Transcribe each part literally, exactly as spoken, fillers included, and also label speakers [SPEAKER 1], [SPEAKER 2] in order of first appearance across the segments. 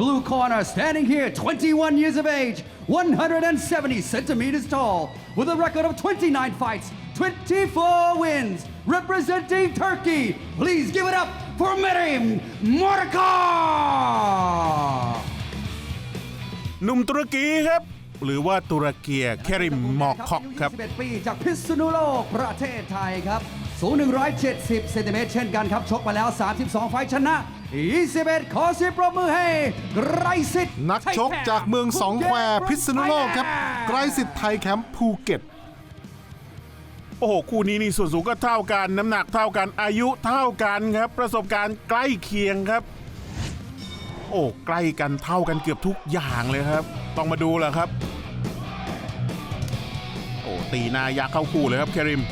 [SPEAKER 1] blue corner, standing here, twenty-one years of age, one hundred seventy centimeters tall, with a record of twenty-nine fights, twenty-four wins, representing Turkey. Please give it up for Merim Mordekar.
[SPEAKER 2] หนุ่มตุรกีครับหรือว่าตุรเกียเคริมมอร์คอกครับ
[SPEAKER 1] ยี่สิบเอ็ด ปีจากพิษณุโลกประเทศไทยครับสูงหนึ่งร้อยเจ็ดสิบเซนติเมตรเช่นกันครับชกมาแล้วสามสิบสองไฟชนะยี่สิบเอ็ดขอเสียงปรบมือให้ไกรสิทธิ์
[SPEAKER 3] นักชกจากเมืองสองแควพิษณุโลกครับไกรสิทธิ์ไทยแคมป์ภูเก็ต
[SPEAKER 2] โอ้โหคู่นี้นี่ส่วนสูงก็เท่ากันน้ำหนักเท่ากันอายุเท่ากันครับประสบการณ์ใกล้เคียงครับโอ้ใกล้กันเท่ากันเกือบทุกอย่างเลยครับต้องมาดูแหละครับโอ้ตีหน้ายักษ์เข้าคู่เลยครับเคริม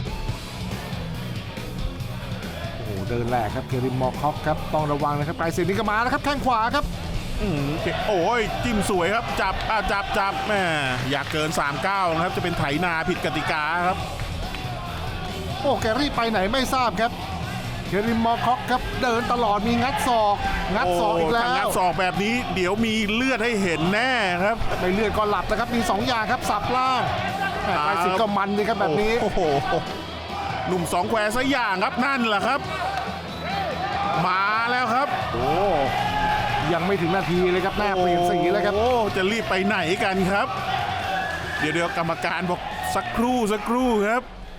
[SPEAKER 3] โอ้โหเดินแหลกครับเคริมมอร์คอกครับต้องระวังนะครับไกรสิทธิ์นี่ก็มาแล้วครับแข้งขวาครับ
[SPEAKER 2] อืมโอ้ยจิ้มสวยครับจับอ่ะจับจับแม่อยากเกินสามสิบเก้านะครับจะเป็นไถนาผิดกติกาครับ
[SPEAKER 3] โอ้แกรีบไปไหนไม่ทราบครับเคริมมอร์คอกครับเดินตลอดมีงัดศอกงัดศอกอีกแล้ว
[SPEAKER 2] งัดศอกแบบนี้เดี๋ยวมีเลือดให้เห็นแน่ครับ
[SPEAKER 3] ไม่เลือดก็หลับนะครับมีสองอย่างครับสับล่างไกรสิทธิ์ก็มันเลยครับแบบนี้
[SPEAKER 2] โอ้โหหนุ่มสองแควซะอย่างครับนั่นแหละครับมาแล้วครับ
[SPEAKER 3] โอ้ยังไม่ถึงนาทีเลยครับหน้าเปลี่ยนสีแล้วครับ
[SPEAKER 2] โอ้จะรีบไปไหนกันครับเดี๋ยวเดี๋ยวกรรมการบอกสักครู่สักครู่ครับ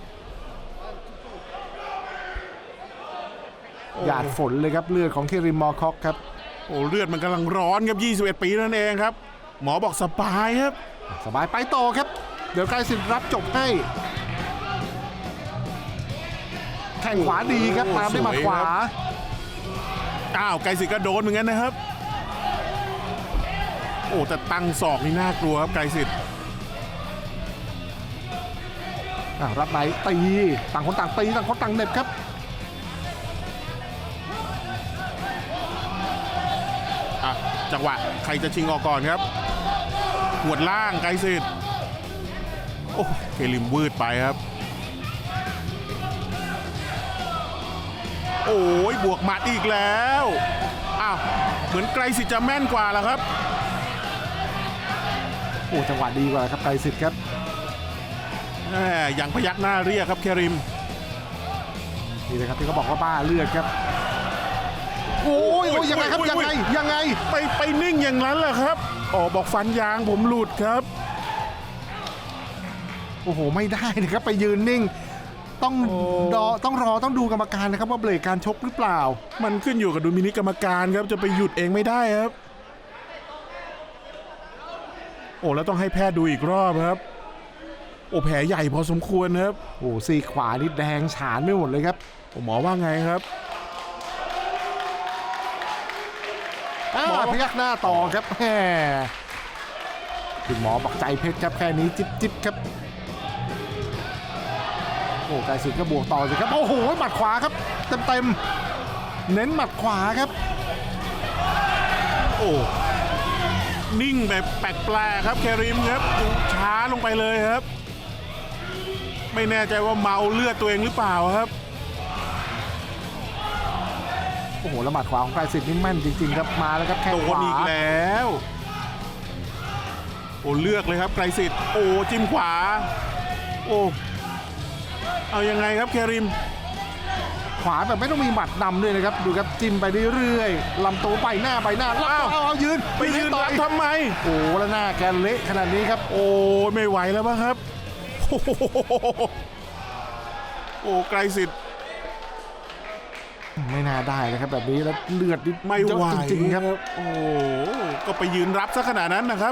[SPEAKER 3] หยาดฝนเลยครับเลือดของเคริมมอร์คอกครับ
[SPEAKER 2] โอ้เลือดมันกำลังร้อนครับยี่สิบเอ็ดปีนั่นเองครับหมอบอกสบายครับ
[SPEAKER 3] สบายไปต่อครับเดี๋ยวไกรสิทธิ์รับจบให้แข้งขวาดีครับตามด้วยหมัดขวา
[SPEAKER 2] อ้าวไกรสิทธิ์ก็โดนเหมือนกันนะครับโอ้แต่ตั้งศอกนี่น่ากลัวครับไกรสิทธิ์
[SPEAKER 3] รับไหนตีต่างคนต่างตีต่างคนต่างเหน็บครับ
[SPEAKER 2] จังหวะใครจะชิงออกก่อนครับหัวล่างไกรสิทธิ์โอ้เคลิมวืดไปครับโอ้ยบวกหมัดอีกแล้วอ้าวเหมือนไกรสิทธิ์จะแม่นกว่าแล้วครับ
[SPEAKER 3] โอ้จังหวะดีกว่าครับไกรสิทธิ์ครับ
[SPEAKER 2] แหมยังพยักหน้าเรียกครับเคริม
[SPEAKER 3] นี่เลยครับที่เขาบอกว่าบ้าเลือดครับโอ้ยยังไงครับยังไงยังไง
[SPEAKER 2] ไปไปนิ่งอย่างนั้นแหละครับอ๋อบอกฟันยางผมหลุดครับ
[SPEAKER 3] โอ้โหไม่ได้นะครับไปยืนนิ่งต้องรอต้องรอต้องดูกรรมการนะครับว่าเบรกการชกหรือเปล่า
[SPEAKER 2] มันขึ้นอยู่กับดุลพินิจกรรมการครับจะไปหยุดเองไม่ได้ครับโอ้แล้วต้องให้แพทย์ดูอีกรอบครับโอ้แผลใหญ่พอสมควรครับ
[SPEAKER 3] โอ้ซีขวานี่แดงฉานไม่หมดเลยครับ
[SPEAKER 2] หมอว่าไงครับ
[SPEAKER 3] หมอพยักหน้าต่อครับแหมคุณหมอบอกใจเพชรครับแค่นี้จิ๊บจิ๊บครับโอ้ไกรสิทธิ์ก็บวกต่อสิครับโอ้โหหมัดขวาครับเต็มเต็มเน้นหมัดขวาครับ
[SPEAKER 2] โอ้นิ่งแบบแปลกๆครับเคริมครับดูช้าลงไปเลยครับไม่แน่ใจว่าเมาเลือดตัวเองหรือเปล่าครับ
[SPEAKER 3] โอ้โหละหมัดขวาของไกรสิทธิ์นี่แม่นจริงๆครับมาแล้วครับแข้งขวา
[SPEAKER 2] อีกแล้วโอ้เลือกเลยครับไกรสิทธิ์โอ้จิ้มขวาโอ้เอายังไงครับเคริม
[SPEAKER 3] ขวาแบบไม่ต้องมีหมัดนำด้วยนะครับดูครับจิ้มไปเรื่อยๆลำตัวไปหน้าไปหน้าแล้วเอาเอายืน
[SPEAKER 2] ไปยืนรับทำไม
[SPEAKER 3] โอ้แล้วหน้าแกเละขนาดนี้ครับ
[SPEAKER 2] โอ้ไม่ไหวแล้วมั้งครับโอ้ไกรสิทธิ์
[SPEAKER 3] ไม่น่าได้เลยครับแบบนี้แล้วเลือด
[SPEAKER 2] ไม่ไหวจริงๆครับโอ้ก็ไปยืนรับซะขนาดนั้นนะครับ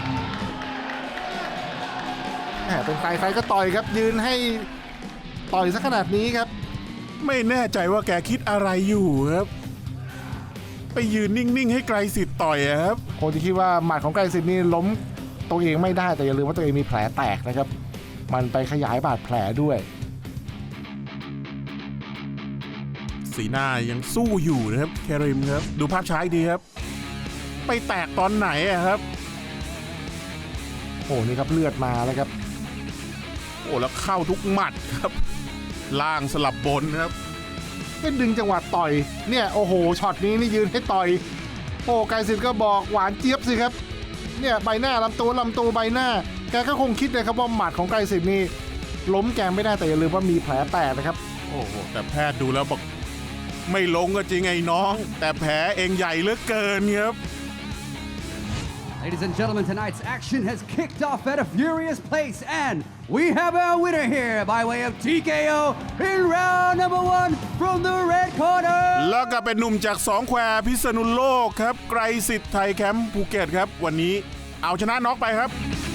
[SPEAKER 3] แหมเป็นใครใครก็ต่อยครับยืนให้ต่อยซะขนาดนี้ครับ
[SPEAKER 2] ไม่แน่ใจว่าแกคิดอะไรอยู่ครับไปยืนนิ่งๆให้ไกรสิทธิ์ต่อยครับ
[SPEAKER 3] คงจะคิดว่าหมัดของไกรสิทธิ์นี่ล้มตัวเองไม่ได้แต่อย่าลืมว่าตัวเองมีแผลแตกนะครับมันไปขยายบาดแผลด้วย
[SPEAKER 2] สีหน้ายังสู้อยู่นะครับเคริมครับดูภาพช้าดีครับไปแตกตอนไหนครับ
[SPEAKER 3] โอ้นี่ครับเลือดมาแล้วครับ
[SPEAKER 2] โอ้แล้วเข้าทุกหมัดครับล่างสลับบนครับ
[SPEAKER 3] เป็นดึงจังหวะต่อยเนี่ยโอ้โหช็อตนี้นี่ยืนให้ต่อยโอ้ไกรสิทธิ์ก็บอกหวานเจี๊ยบสิครับเนี่ยใบหน้าลำตัวลำตัวใบหน้าแกก็คงคิดเลยครับว่าหมัดของไกรสิทธิ์นี่ล้มแกไม่ได้แต่อย่าลืมว่ามีแผลแตกนะครับ
[SPEAKER 2] โอ้โหแต่แพทย์ดูแล้วบอกไม่ลงก็จริงไอ้น้อง แต่แผลเองใหญ่เหลือเกินครับ
[SPEAKER 1] Ladies and gentlemen, tonight's action has kicked off at a furious pace, and we have our winner here by way of T K O in round number one from the red corner.
[SPEAKER 2] แล้วก็เป็นหนุ่มจากสองแควพิษณุโลกครับไกรสิทธิ์ไทยแคมป์ภูเก็ตครับวันนี้เอาชนะน็อกไปครับ